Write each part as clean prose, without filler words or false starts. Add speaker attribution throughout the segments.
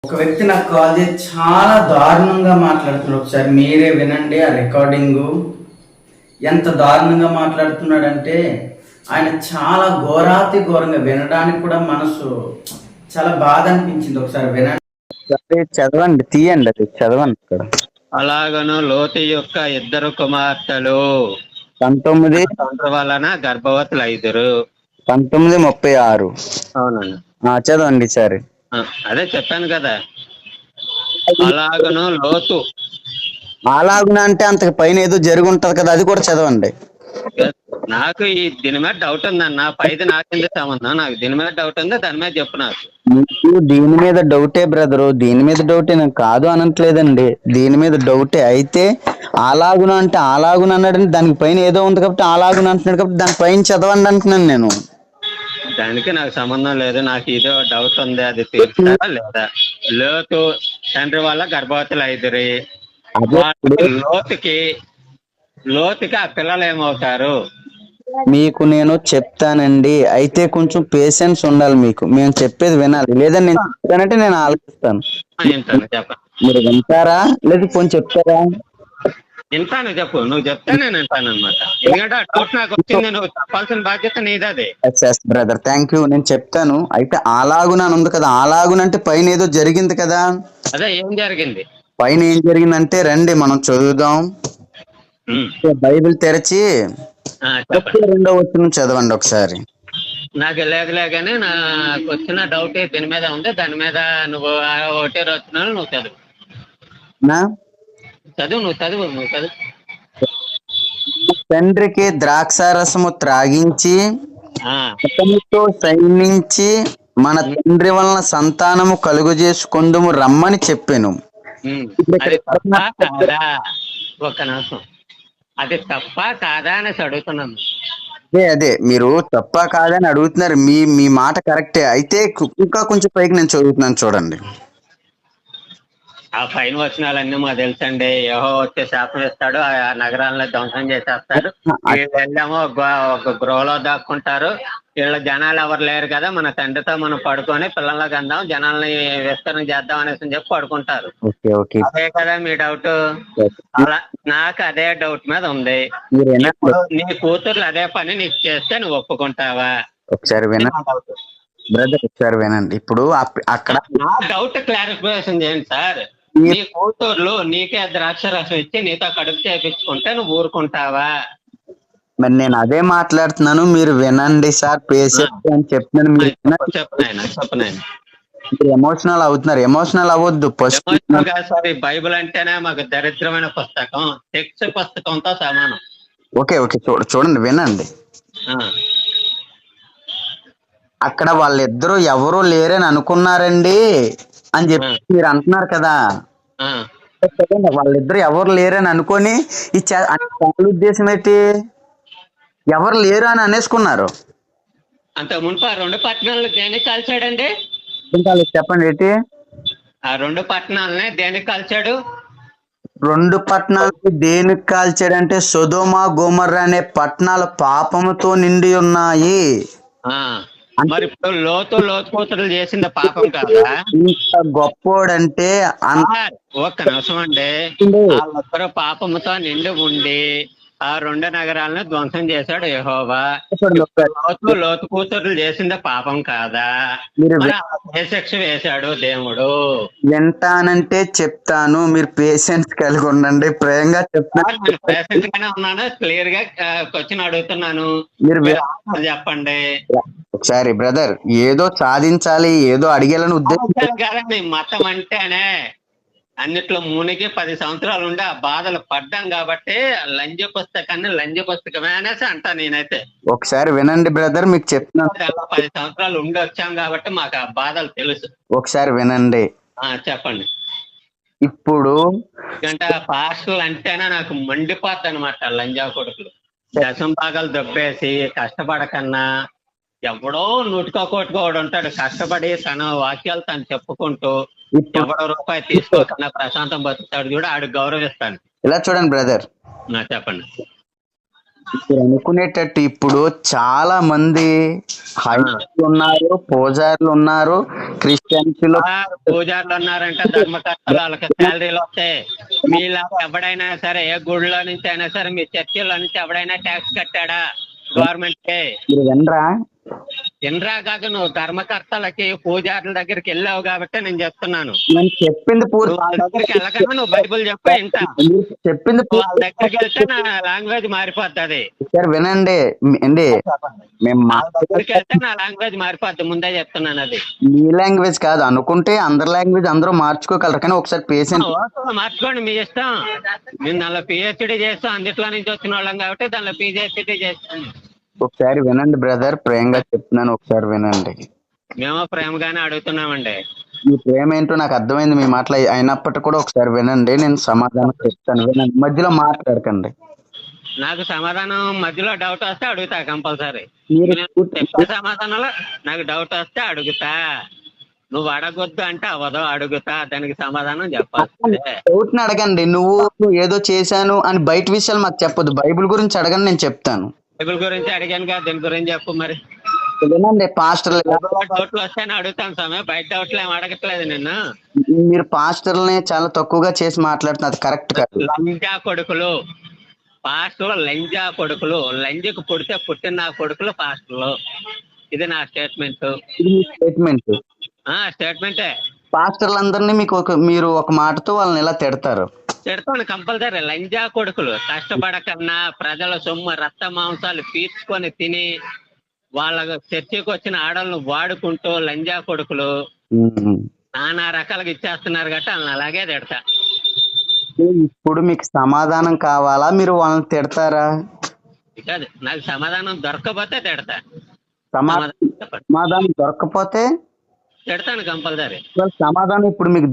Speaker 1: ఒక వ్యక్తి నాకు కాల్ చేసి చాలా దారుణంగా మాట్లాడుతున్నాడు. ఒకసారి మీరే వినండి ఆ రికార్డింగు. ఎంత దారుణంగా మాట్లాడుతున్నాడంటే ఆయన చాలా ఘోరాతి ఘోరంగా వినడానికి కూడా మనసు చాలా బాధ అనిపించింది. ఒకసారి వినండి.
Speaker 2: చదవండి, తీయండి, అది చదవండి ఇక్కడ.
Speaker 3: అలాగను లోతు యొక్క ఇద్దరు కుమార్తెలు
Speaker 2: 19
Speaker 3: తండ్రి వలన గర్భవతులు
Speaker 2: 19:36.
Speaker 3: అవునండి.
Speaker 2: చదవండి సరే.
Speaker 3: అదే చెప్పాను కదా. అలాగను లోతు
Speaker 2: అలాగున అంటే అంతకు పైన ఏదో జరిగి ఉంటది కదా, అది కూడా చదవండి.
Speaker 3: నాకు దీని మీద డౌట్ ఉందన్న. పైది నాకేంది సంబంధం? నాకు దీని మీద డౌట్ ఉంది, దాని మీద చెప్పు నాకు.
Speaker 2: మీకు దీని మీద డౌటే బ్రదరు, దీని మీద డౌటే, నేను కాదు అనట్లేదండి. దీని మీద డౌటే. అయితే అలాగున అంటే అలాగున అన్నాడని దానికి పైన ఏదో ఉంది కాబట్టి అలాగున అంటున్నాడు కాబట్టి దాని పైన చదవండి అంటున్నాను నేను.
Speaker 3: దానికి నాకు సంబంధం లేదు. నాకు ఇదో డౌట్ ఉంది, అది తీర్చారా లేదా? లోతు తండ్రి వల్ల గర్భవతులు 5. లోతుకి ఆ పిల్లలు ఏమవుతారు?
Speaker 2: మీకు నేను చెప్తానండి, అయితే కొంచెం పేషెన్స్ ఉండాలి మీకు. మేము చెప్పేది వినాలి, లేదని నేను చెప్తానంటే నేను ఆలోచిస్తాను.
Speaker 3: చెప్పండి.
Speaker 2: మీరు వింటారా లేదా కొంచెం చెప్తారా?
Speaker 3: వింటాను, చెప్పు. నువ్వు చెప్తే నేను వింటాను అనమాట. ఎందుకంటే ఆ డౌట్ నాకు వచ్చింది, నువ్వు చెప్పాల్సిన బాధ్యత నీదే.
Speaker 2: Brother, thank you. నేను చెప్తాను. అయితే అలాగున అని ఉంది కదా, అలాగున అంటే పైన ఏదో జరిగింది కదా.
Speaker 3: అదే ఏం జరిగింది?
Speaker 2: పైన ఏం జరిగిందంటే రండి మనం చదువుదాం. బైబిల్ తెరచి 2వ వచనం చదవండి ఒకసారి.
Speaker 3: నాకు లేదులే కానీ నాకు వచ్చిన డౌట్ దీని మీద ఉంది. దాని మీద నువ్వు 1 వచనాలు నువ్వు చదువు. నువ్వు చదువు.
Speaker 2: తండ్రికి ద్రాక్షారసము త్రాగించి అతనితో సైనించి మన తండ్రి వలన సంతానము కలుగు చేసుకుందుము రమ్మని చెప్పాను.
Speaker 3: ఒక్క నిమిషం. అది తప్ప కాదా అనేసి అడుగుతున్నాను.
Speaker 2: అదే మీరు తప్ప కాదని అడుగుతున్నారు. మీ మాట కరెక్టే. అయితే ఇంకా కొంచెం పైకి నేను చదువుతున్నాను చూడండి.
Speaker 3: ఆ పైన వచనాలన్నీ మాకు తెలుసండి. యెహోవా వచ్చే శాపం ఇస్తాడు, ఆ నగరాలను ధ్వంసం చేసేస్తాడు. వీళ్ళు వెళ్ళామో ఒక గృహలో దాక్కుంటారు. వీళ్ళ జనాలు ఎవరు లేరు కదా, మన తండ్రితో మనం పడుకొని పిల్లలకి అందాం, జనాల్ని విస్తరణ చేద్దాం అనేసి చెప్పి పడుకుంటారు. అదే కదా మీ డౌట్? అలా నాకు అదే డౌట్ మీద ఉంది. నీ కూతుర్లు అదే పని నీకు చేస్తే నువ్వు ఒప్పుకుంటావా?
Speaker 2: ఒకసారి వినండి బ్రదర్, ఒకసారి వినండి. ఇప్పుడు అక్కడ
Speaker 3: నా డౌట్ క్లారిఫికేషన్ చేయండి సార్. నీ కూతుర్లు నీకే ద్రాక్షరసం ఇచ్చి నీతో కడుపు చేపించుకుంటే నువ్వు ఊరుకుంటావా?
Speaker 2: మరి నేను అదే మాట్లాడుతున్నాను, మీరు వినండి సార్. పేషెంట్ అని చెప్తున్నాను. మీరు ఎమోషనల్ అవుతున్నారు. ఎమోషనల్ అవ్వద్దు.
Speaker 3: సారీ, బైబిల్ అంటేనే మాకు దరిద్రమైన పుస్తకం, టెక్స్ట్ పుస్తకంతో సమానం.
Speaker 2: ఓకే చూడండి, వినండి. అక్కడ వాళ్ళిద్దరూ ఎవరూ లేరని అనుకున్నారండి అని చెప్పి మీరు అంటున్నారు కదా. వాళ్ళిద్దరు ఎవరు లేరని అనుకొని ఉద్దేశం ఏంటి? ఎవరు లేరు అని అనేసుకున్నారు.
Speaker 3: అంత మునుపు ఆ 2 పట్టణాలను దేనికి కాల్చాడండి?
Speaker 2: చెప్పండి ఏంటి?
Speaker 3: ఆ 2 పట్టణాలని దేనికి కాల్చాడు?
Speaker 2: 2 పట్టణాలు దేనికి కాల్చాడంటే సొదొమ గొమొర్రా అనే పట్టణాలు పాపముతో నిండి ఉన్నాయి.
Speaker 3: మరి ఇప్పుడు లోతు కూతురు చేసిన పాపం కాదా?
Speaker 2: ఇంత గొప్పోడంటే
Speaker 3: ఒక్క నిమిషం అండి. వాళ్ళొక్కరు పాపముతో నిండి ఉండి ఆ 2 నగరాలను ధ్వంసం చేశాడు యెహోవా. లోతు కూతురు చేసింది పాపం కాదా? ఏ శిక్ష వేశాడు దేవుడు?
Speaker 2: వింటానంటే చెప్తాను, మీరు పేషెన్స్ కలిగి ఉండండి. ప్రేమగా చెప్తాను.
Speaker 3: పేషెంట్ గానే ఉన్నాను. క్లియర్ గా క్వశ్చన్ అడుగుతున్నాను, మీరు చెప్పండి.
Speaker 2: ఒకసారి బ్రదర్, ఏదో సాధించాలి, ఏదో అడిగేయాలని ఉద్దేశం
Speaker 3: కాదండి. మతం అంటేనే అన్నిట్లో మునిగి 10 సంవత్సరాలు ఉండి ఆ బాధలు పడ్డాం కాబట్టి లంజ పుస్తకమే అనేసి అంటా నేనైతే.
Speaker 2: ఒకసారి వినండి బ్రదర్, మీకు చెప్తున్నాను.
Speaker 3: 10 సంవత్సరాలు ఉండి వచ్చాం కాబట్టి మాకు ఆ బాధలు తెలుసు.
Speaker 2: ఒకసారి వినండి.
Speaker 3: చెప్పండి.
Speaker 2: ఇప్పుడు
Speaker 3: ఎందుకంటే పాస్టర్లు అంటేనే నాకు మండిపోద్ది అనమాట. లంజా కొడుకులు దశం భాగాలు దొబ్బేసి కష్టపడకన్నా ఎవడో నూటికో కోటికో ఉంటాడు కష్టపడి తన వాక్యాలు తను చెప్పుకుంటూ ఎవడో రూపాయి తీసుకోకన్నా ప్రశాంతం బతుకుతాడు చూడ, ఆడు గౌరవిస్తాను.
Speaker 2: ఇలా చూడండి బ్రదర్,
Speaker 3: చెప్పండి.
Speaker 2: మీరు అనుకునేటట్టు ఇప్పుడు చాలా మంది హైందవులు ఉన్నారు, పూజారులు ఉన్నారు, క్రిస్టియన్స్ లో
Speaker 3: పూజారులు ఉన్నారంటే ధర్మకర్తలు, వాళ్ళకి శాలరీలు వస్తాయి. మీలాగా ఎవడైనా సరే ఏ గుడిలో నుంచి అయినా సరే మీ చర్చిలో నుంచి ఎవడైనా ట్యాక్స్ కట్టాడా గవర్నమెంట్ కి?
Speaker 2: మీరు వినరా?
Speaker 3: ఇంద్రా కాక నువ్వు ధర్మకర్తలకి పూజారుల దగ్గరికి వెళ్ళావు కాబట్టి నేను చెప్తున్నాను.
Speaker 2: నేను చెప్పింది
Speaker 3: నువ్వు వాళ్ళ
Speaker 2: పూర్తి
Speaker 3: దగ్గరికి వెళ్ళకన్నా నువ్వు బైబిల్ చెప్పు ఇంత.
Speaker 2: మీరు చెప్పింది
Speaker 3: వాళ్ళ
Speaker 2: పూర్తి
Speaker 3: దగ్గరికి వెళ్తే నా లాంగ్వేజ్ మారిపోతుంది.
Speaker 2: సార్ వినండి అండి, మేము
Speaker 3: వాళ్ళ దగ్గరికి వెళ్తే నా లాంగ్వేజ్ మారిపోద్ది, ముందే చెప్తున్నాను అది.
Speaker 2: మీ లాంగ్వేజ్ కాదు అనుకుంటే అందరి లాంగ్వేజ్ అందరూ మార్చుకోగలరు, కానీ ఒకసారి పేషెంట్
Speaker 3: ఓకే, మార్చుకోండి మీ ఇష్టం. మేము దానిలో పిహెచ్డి చేస్తాం, అందుట్లో నుంచి వచ్చిన వాళ్ళం కాబట్టి దానిలో పిహెచ్డి చేస్తాం.
Speaker 2: ఒకసారి వినండి బ్రదర్, ప్రేమగా చెప్తున్నాను, ఒకసారి వినండి.
Speaker 3: మేము ప్రేమగానే అడుగుతున్నామండి.
Speaker 2: మీ ప్రేమ ఏంటో నాకు అర్థమైంది మీ మాటలు అయినప్పటికీ కూడా ఒకసారి వినండి, నేను సమాధానం చెప్తాను, వినండి, మధ్యలో మాట్లాడకండి.
Speaker 3: నాకు సమాధానం మధ్యలో డౌట్ వస్తే అడుగుతా కంపల్సరీ.
Speaker 2: మీరు
Speaker 3: చెప్పే సమాధానంలో నాకు డౌట్ వస్తే అడుగుతా. నువ్వు అడగొద్దు అంటే అవ్వదు, అడుగుతా, దానికి సమాధానం చెప్పాలి.
Speaker 2: డౌట్ ని అడగండి, నువ్వు ఏదో చేశాను అని బయట విషయాలు మాకు చెప్పొద్దు, బైబిల్ గురించి అడగండి, నేను చెప్తాను.
Speaker 3: బైబిల్ గురించి అడిగాను కదా, దీని గురించి చెప్పు మరి.
Speaker 2: వినండి పాస్టర్లు,
Speaker 3: డౌట్లు వస్తాయని అడుగుతాను సమయం, బయట డౌట్లు ఏమి అడగట్లేదు నిన్ను.
Speaker 2: మీరు పాస్టర్లని చాలా తక్కువగా చేసి మాట్లాడుతున్నారు, అది కరెక్ట్ కాదు.
Speaker 3: లంజా కొడుకులు పాస్టర్లు, లంజా కొడుకులు, లంజకు పుడితే పుట్టిన నా కొడుకులు పాస్టర్లు. ఇది నా స్టేట్మెంట్.
Speaker 2: ఇది మీ స్టేట్మెంట్?
Speaker 3: స్టేట్మెంటే.
Speaker 2: పాస్టర్లందరినీ మీరు ఒక మాటతో వాళ్ళని ఎలా తిడతారు?
Speaker 3: తిడతాను కంపల్సరీ. లంజా కొడుకులు, కష్టపడకన్నా ప్రజల సొమ్ము రక్త మాంసాలు పీల్చుకొని తిని వాళ్ళ చర్చికి వచ్చిన ఆడలను వాడుకుంటూ లంజా కొడుకులు నానా రకాలుగా ఇచ్చేస్తున్నారు కాబట్టి వాళ్ళని అలాగే తిడతా.
Speaker 2: ఇప్పుడు మీకు సమాధానం కావాలా, మీరు వాళ్ళని తిడతారా?
Speaker 3: కాదు, నాకు సమాధానం దొరకకపోతే తిడతా.
Speaker 2: సమాధానం దొరకకపోతే
Speaker 3: తిడతాను కంపల్సరీ.
Speaker 2: సమాధానం ఇప్పుడు మీకు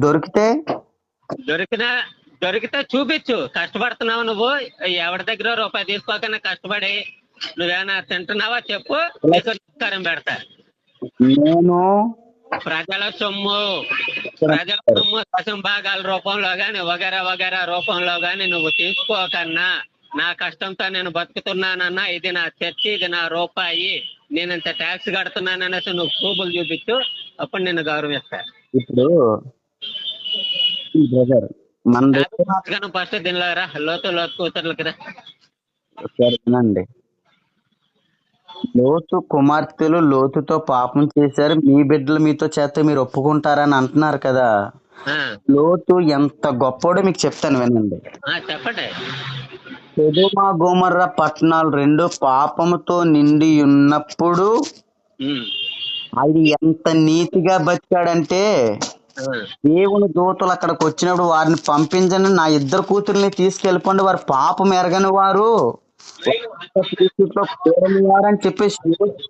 Speaker 3: దొరికితే చూపించు. కష్టపడుతున్నావు నువ్వు, ఎవరి దగ్గర రూపాయి తీసుకోకనే కష్టపడి నువ్వేమైనా తింటున్నావా చెప్పు, నీకు నమస్కారం పెడతా.
Speaker 2: నేను
Speaker 3: ప్రజల సొమ్ము దశం భాగాల రూపంలో గాని వగేరా వగేరా రూపంలో గాని నువ్వు తీసుకోకన్నా, నా కష్టంతో నేను బతుకుతున్నానన్నా, ఇది నా చర్చి, ఇది నా రూపాయి, నేను ఇంత ట్యాక్స్ కడుతున్నాననేసి నువ్వు ప్రూఫ్లు చూపించు, అప్పుడు నేను గౌరవిస్తా.
Speaker 2: ఇప్పుడు బ్రదర్
Speaker 3: ఫస్ట్ దీనిలో రా, లోతు కూతుర్లకి రా.
Speaker 2: వినండి, లోతు కుమార్తెలు లోతుతో పాపం చేశారు, మీ బిడ్డలు మీతో చేస్తే మీరు ఒప్పుకుంటారని అంటున్నారు కదా. లోతు ఎంత గొప్పోడో మీకు చెప్తాను, వినండి.
Speaker 3: చెప్పండి.
Speaker 2: సొదొమ గొమొర్రా పట్టణాలు రెండు పాపముతో నిండి ఉన్నప్పుడు అది ఎంత నీతిగా బతికాడంటే, దేవుని దూతలు అక్కడికి వచ్చినప్పుడు వారిని పంపించండి, నా ఇద్దరు కూతుర్ని తీసుకెళ్ళిపోండి, వారు పాపం ఎరగని వారు అని చెప్పేసి.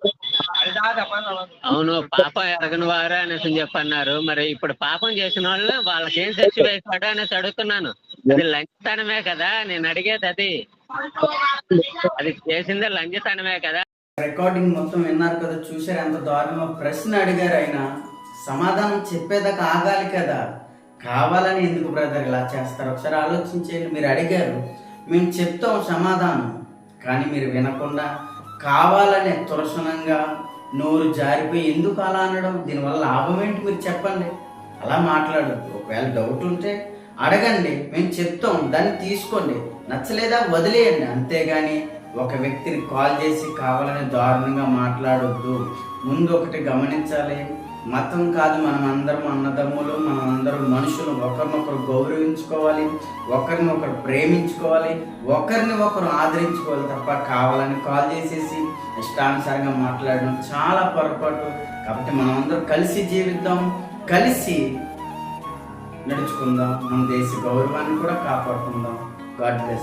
Speaker 3: అవును, పాపం ఎరగని వారు అనేసి చెప్పన్నారు. మరి ఇప్పుడు పాపం చేసిన వాళ్ళు వాళ్ళకి ఏం శిక్ష వేశాడు అనేసి అడుగుతున్నాను. అది లంచతనమే కదా నేను అడిగేది, అది చేసిందే లంచతనమే కదా.
Speaker 1: రికార్డింగ్ మొత్తం విన్నారు కదా, చూసారు ఎంత దారుణంగా ప్రశ్న అడిగారు. ఆయన సమాధానం చెప్పేదాకా ఆగాలి కదా, కావాలని ఎందుకు బ్రదర్ ఇలా చేస్తారు? ఒకసారి ఆలోచించేయండి. మీరు అడిగారు, మేము చెప్తాం సమాధానం, కానీ మీరు వినకుండా కావాలని తులసనంగా నోరు జారిపోయి ఎందుకు అలా అనడం? దీనివల్ల లాభం ఏంటి మీరు చెప్పండి. అలా మాట్లాడద్దు. ఒకవేళ డౌట్ ఉంటే అడగండి, మేము చెప్తాం, దాన్ని తీసుకోండి, నచ్చలేదా వదిలేయండి, అంతేగాని ఒక వ్యక్తిని కాల్ చేసి కావాలని దారుణంగా మాట్లాడొద్దు. ముందు ఒకటి గమనించాలి, మతం కాదు, మనం అందరం అన్నదమ్ములు, మనం అందరం మనుషులు, ఒకరినొకరు గౌరవించుకోవాలి, ఒకరిని ఒకరు ప్రేమించుకోవాలి, ఒకరిని ఒకరు ఆదరించుకోవాలి తప్ప కావాలని కాల్ చేసేసి ఇష్టానుసారంగా మాట్లాడడం చాలా పొరపాటు. కాబట్టి మనం అందరం కలిసి జీవిద్దాం, కలిసి నడుచుకుందాం, మన దేశ గౌరవాన్ని కూడా కాపాడుకుందాం. God bless.